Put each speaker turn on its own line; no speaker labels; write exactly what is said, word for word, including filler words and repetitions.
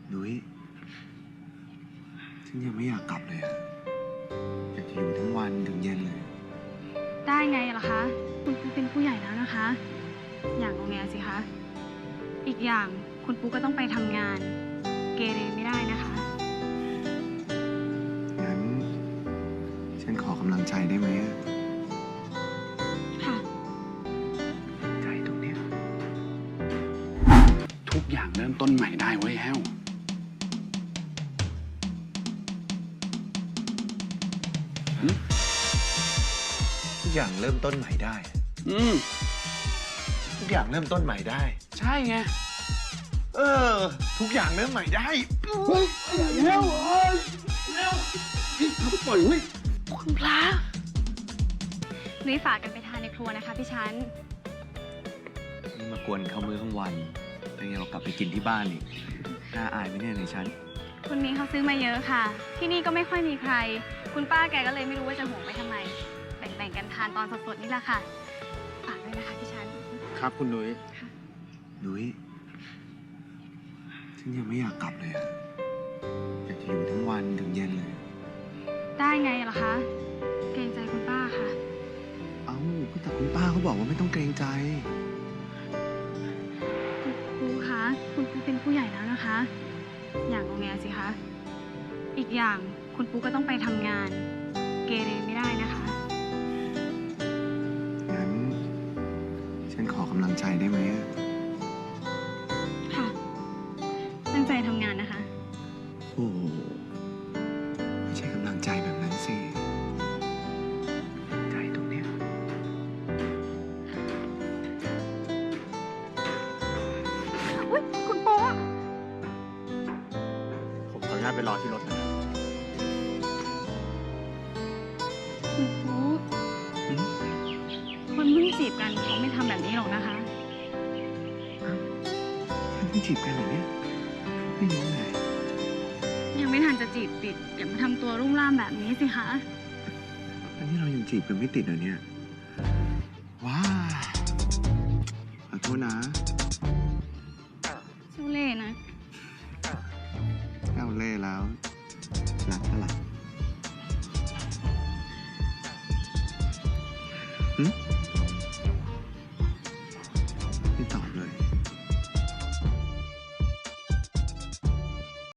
นุ้ยฉันยังไม่อยากกลับเลยอะอยากจะอยู่ทั้งวันถึงเย็นเลย
ได้ไงล่ะคะคุณปูเป็นผู้ใหญ่แล้วนะคะ อย่างงอแงสิคะอีกอย่างคุณปูก็ต้องไปทำงานเกเรไม่ได้นะคะ
งั้นฉันขอกำลังใจได้ไหม
ค่ะ
ใจตรงเนี้ย
ทุกอย่างเริ่มต้นใหม่ได้เว้ยแฮว
ทุกอย่างเริ่มต้นใหม่ได้
อืม
ทุกอย่างเริ่มต้นใหม่ได้
ใช่ไง
เออทุกอย่างเริ่มใหม่ได้
เฮ้ยแฮวเฮ้ยแฮวพี่เขาปล่อยเว้ย
คุณพระนุ้ยฝากกันไปทานในครัวนะคะพี่ชั้น
นี่มากวนเขามื้อกลางวันแต่ยังเรากลับไปกินที่บ้านอีกน่าอายไหมเนี่ยในชั้น
คุณนี้เขาซื้อมาเยอะค่ะที่นี่ก็ไม่ค่อยมีใครคุณป้าแกก็เลยไม่รู้ว่าจะห่วงไปทำไมแบ่งๆกันทานตอนสดๆนี่แหละค่ะฝากด้วยนะคะพี่ชั้น
ครับคุณนุ้ยนุ้ยฉันยังไม่อยากกลับเลยอะอยากจะอยู่ทั้งวันถึงเย็นเลย
ได้ไงล่ะคะเกรงใจคุณป้าค่ะ
เอ้าแต่คุณป้าเขาบอกว่าไม่ต้องเกรงใจ
คุณครูคะคุณครูเป็นผู้ใหญ่แล้วนะคะ อย่างงอแงสิคะอีกอย่างคุณปูก็ต้องไปทำงานเกเรไม่ได้นะคะ
งั้นฉันขอกำลังใจได้ไหม
ค่ะตั้งใจทำงานนะคะ
โอ้ไม่ใช่กำลังใจแบบนั้นสิใจตรงเนี้ย
อุ๊ยคุณปู
ผมขออนุญาตไปรอที่รถนะ
คุณปูคนเพิ่งจีบกันเขาไม่ทำแบบนี้หรอกนะคะ
ฉันเพิ่งจีบกันเหรอเนี่ยไม่รู้เลย
ยังไม่ทันจะจีบติดอย่ามาทำตัวรุ่มร่ามแบบนี้สิคะ
อันนี้เรายังจีบกันไม่ติดเหรอเนี่ยว้าขอโทษนะ
ชูเล่นะ
เจ้าเล่ห์แล้วรักเท่าไหร่